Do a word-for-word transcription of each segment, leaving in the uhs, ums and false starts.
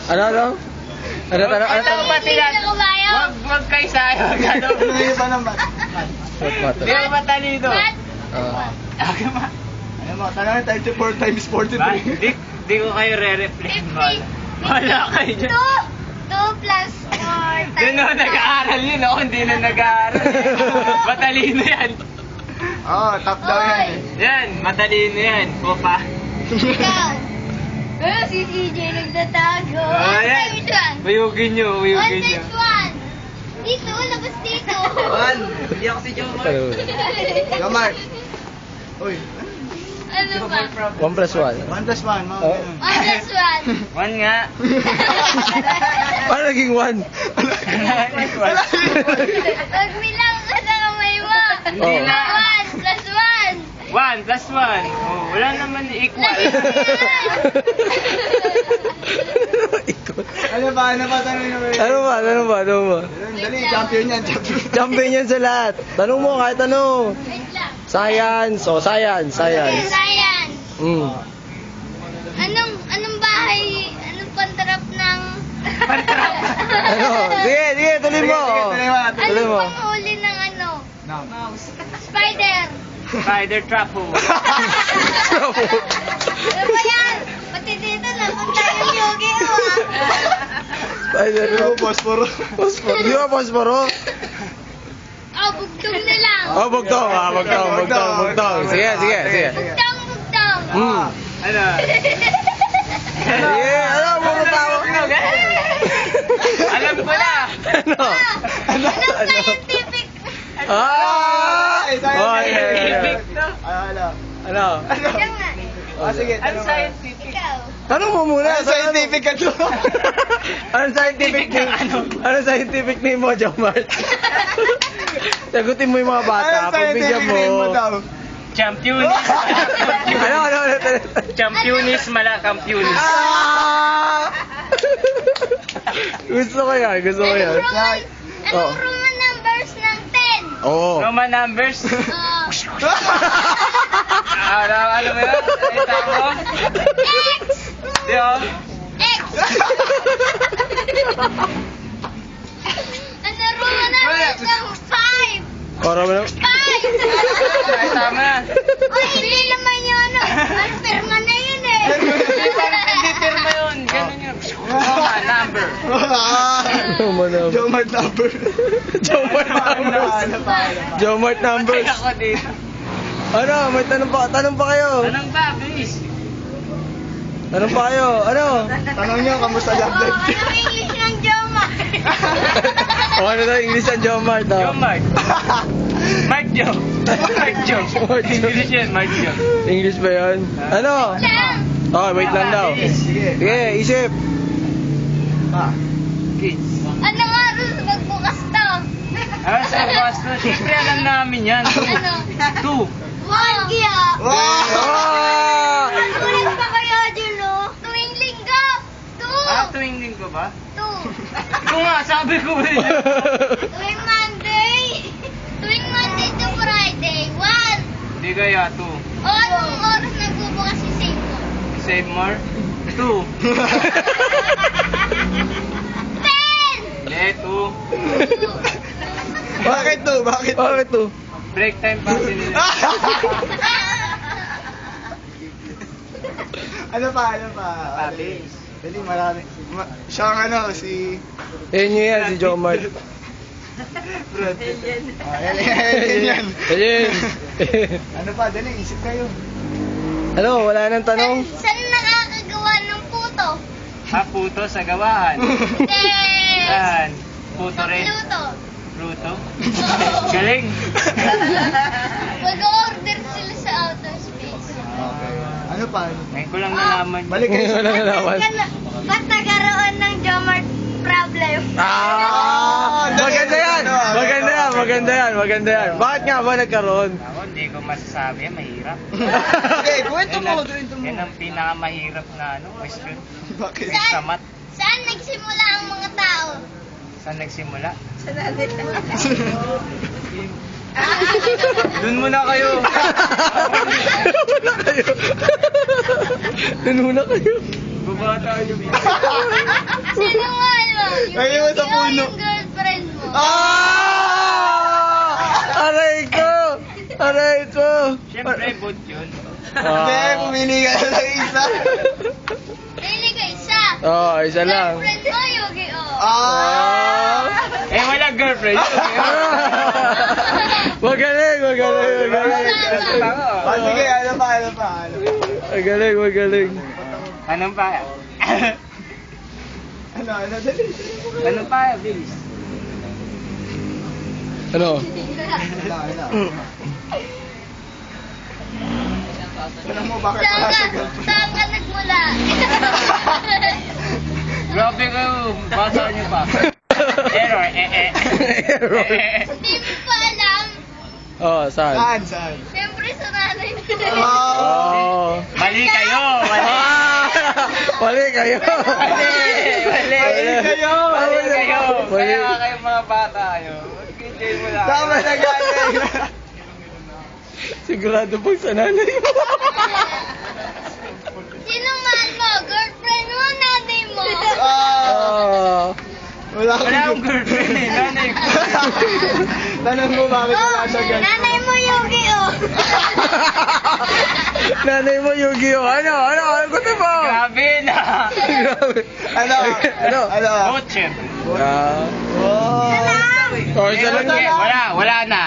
Ano, ano? Ano, ano, ano? Ito ba sila? Wag, wag kayo sayo. Ano? Ano yung pa naman? What matter? Hindi mo matalino. Ah. Ako ma. Ano mo, tanongin tayo to four times Ba? forty-three. Di, di ko kayo re-replay. Wala. Wala kayo dyan. two, two plus four Yun na, nag-aaral yun. Ako hindi na nag-aaral. Matalino yan. Oo, oh, top down yan eh. Yan, matalino yan. Kopa. Ikaw. Eh, si C J nagtatago. Oh, One yan. times one. Uyugin nyo, One uyugin nyo. times one. Dito, labas dito. One. Hindi ako si Jomar. Gamar. Uy, Ano ba? One plus one. one plus one, mga Oh. ganun. One plus one. One nga. Paano naging one? Pag bilang ka sa kamay mo. Hindi Oh. na. One plus one. One plus one. Oh, wala naman equal. Ikot. Ano ba, ano ba, tanongin naman yun? Ano ba? Ano ba? Ano ba? Dali, champion yan, champion. Champion yan sa lahat. Tanong mo kahit ano. Wait lang. Science. O, science. Science. Science. Mm. Anong, anong bahay, anong pantarap ng... Ano? Sige, sige, tuloy mo. Sige, sige, tuloy mo, tuloy Tuloy Anong mo. panghuli ng ano? No. Spider. Spider trap ho. Ano ba yan? Pati dito napunta yung yogi mo ah. Spider. Ano, Posporo. Posporo. Di ba posporo? Oh, bugtong na lang. Oh, bugtong. Ah, bugtong, bugtong, bugtong. Sige, sige, sige. Bugtong, bugtong. Hmm. Ano? Sige, ano, bumutawa. Alam ko na. Ano? Ano? Anong scientific? Ah! Ay, Oh, yeah, yeah, Scientific yeah. to. Ano, ano? Ano? Ano? Yan nga. Ah, sige, Ano tanong mo. scientific? Ikaw. Tanong mo muna. Ano scientific ka to? Anong scientific name? Anong scientific name mo, Jomar? Sagutin mo yung mga bata. Ano Pagbigyan scientific name mo mo. daw? Championis. Ano, ano, ano? Championis mala campionis. Ah! Gusto ko yan, gusto ko yan. Anong Roman, Oh. anong Roman numbers ng ten? Oo. Roman numbers. Oh. Ano, ano mo yun? Ay, tamo? X. Di oh. X. Ano Roman numbers ng five? Para mo na. Five. Ay, tama. Uy, hindi naman yun ano. Ano, pirma na yun eh. Hindi pa- hindi pirma yun. Ganun yun. Roman number. Ah! Jomar number. Jomart number. Jomar Ano pa, numbers. ano pa, ano pa? Jomar numbers. Patay ako dito. Ano, may tanong pa, tanong pa kayo. Anong ba, bilis? Tanong pa kayo. Ano? Tanong nyo, kamusta love Oh, life? anong English ng Joma? O ano daw English ang Jomar daw? Yung Mark. Mark Joe. Mark Joe. Mark Joe. English yan, Mark Joe. English ba yun? Ano? Lang. Oh, wait lang daw. Sige. Sige, isip. Ah. Kids. Anong oras magbukas to? Ah, sa Boston. Siyempre alam namin yan. Ano? Two. One kaya. Wow! Ah! Ulit pa kayo dyan, no? Tuwing linggo. Two. Ah, tuwing linggo ba? Two. Kung nga, sabi ko eh. Tuwing Monday. Tuwing Monday to Friday. One. Hindi kaya, two. O, anong oras nagbubukas si Save mo? Save more? Two. Ten. Hindi, two. Bakit to? Bakit to? Bakit to? Break time pa sila. Ano pa, ano pa? Papi. Dali, marami. Ma- siya ang ano, si... Yan yun yan, si Jomar. Brad. Ah, yan, yan, yan, yan. Ayun. Ano pa, dali, isip kayo. Ano, wala nang tanong? Saan, saan nakakagawa ng puto? Ah, puto sa gawahan. Yes. Yan. Puto rin. Luto. Pluto. Galing. Mag-order sila sa outer space. Okay. Ano pa? Ngayon ko lang nalaman. yun. Balik kayo sa... Wala na naman. Ba't nagkaroon ng Jomart problem? Ah! Maganda yan! Maganda yan, maganda yan, maganda yan. Bakit nga ba nagkaroon? Ako, hindi ko masasabi. Mahirap. Sige, kwento Yan mo, ang- kwento mo. Yan ang pinakamahirap na ano, question. Bakit? Sa Saan, mat. saan nagsimula ang mga tao? Saan nagsimula? Sa nanay. Doon muna kayo. Doon muna kayo. Doon muna kayo. Bata yung... Sino nga ano? Yung Ayun mo sa Yu-Gi-Oh! puno. Yung girlfriend mo. Ah! Aray ko! Aray ko! Siyempre, boot yun. Hindi, pumili ka na ng isa. Pili ka isa. Oo, oh, isa lang. Girlfriend mo, Yu-Gi-Oh! Ah! Eh, wala girlfriend. Magaling, magaling, magaling. Ah, sige, ano pa, ano pa, ano pa? Magaling, magaling. Anong pa? Ano, ano, dali. Anong pa? Bilis. Ano? Ano, ano? Alam mo, bakit Saan wala ka, siya girlfriend? saan ka nagmula? Grabe kayo. Basa niyo pa. Error, eh, eh. Error. Hindi mo pa alam. Oh, saan? Saan, saan? Siyempre sa nanay mo. Oh! Oh. Mali kayo. Mali. Ah! Mali kayo. Mali. Mali. Mali kayo. Mali kayo. Mali. Kaya kayo mga bata kayo. Mag-enjoy mo lang. Tama na galing. Sigurado pag sa nanay mo. Sino man mo? Girlfriend mo, nanay mo. Ah! Oh. Wala Wala akong girlfriend eh. Nanay ko. Tanong mo bakit wala Oh, siya girlfriend. nanay mo, Yu-Gi-Oh! Nanay mo, Yu-Gi-Oh! Ano? Ano? Ano gusto mo? Grabe na. Grabe. Ano? Ano? Ano? Boot, syempre. Ah. Oh! Oh, isa lang Eh, yan. Wala, wala na.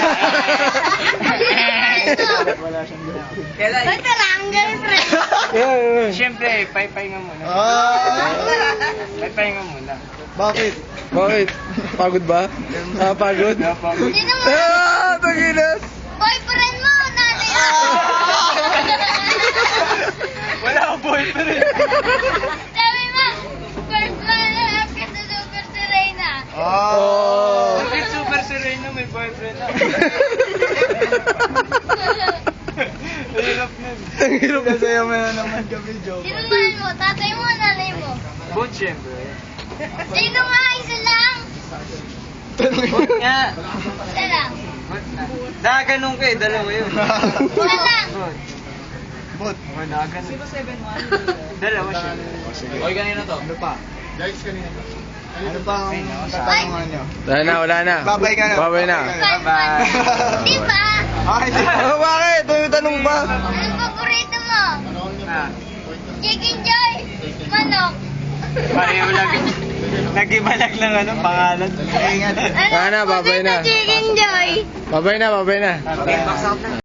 Wala siyang girlfriend. Ito lang, girlfriend. Yeah, yeah. Siyempre, pay-pay nga muna. Ah! Pay-pay nga muna. Bakit? Bakit? Pagod ba? Ah, pagod? Sino mo? Ah, taginas. Boyfriend mo, nanay mo. Wala akong boyfriend. Sabi mo, first man up ka sa Super Serena. Oh! Bakit super sereno may boyfriend na? Hirap na. Ang hirap na. Nasaya mo na naman kami, joke. Sino man mo? Tatay mo, nanay mo. Boot, syempre. Sino nga? Isa lang. Boot nga. Isa lang. Boot na. Nakaganong kayo, dalawa yun. Isa lang. Boot. Bot. O, nakaganong. Dalawa siya. Oy, kanina to. Ano pa? Guys, kanina pa. Ano pa ang tatanungan nyo? Wala na, wala na. Babay ka na. Babay na. First man. Di ba? Ah, hindi. Oh, bakit? Ito yung tanong ba? Anong paborito mo? Ah, Chicken Joy? Manok? pareho lang. Nag-ibalag lang ano, pangalan. Ingat. Ano Wala na, babay na. Chicken Joy? Babay na, babay na. Okay, box out na.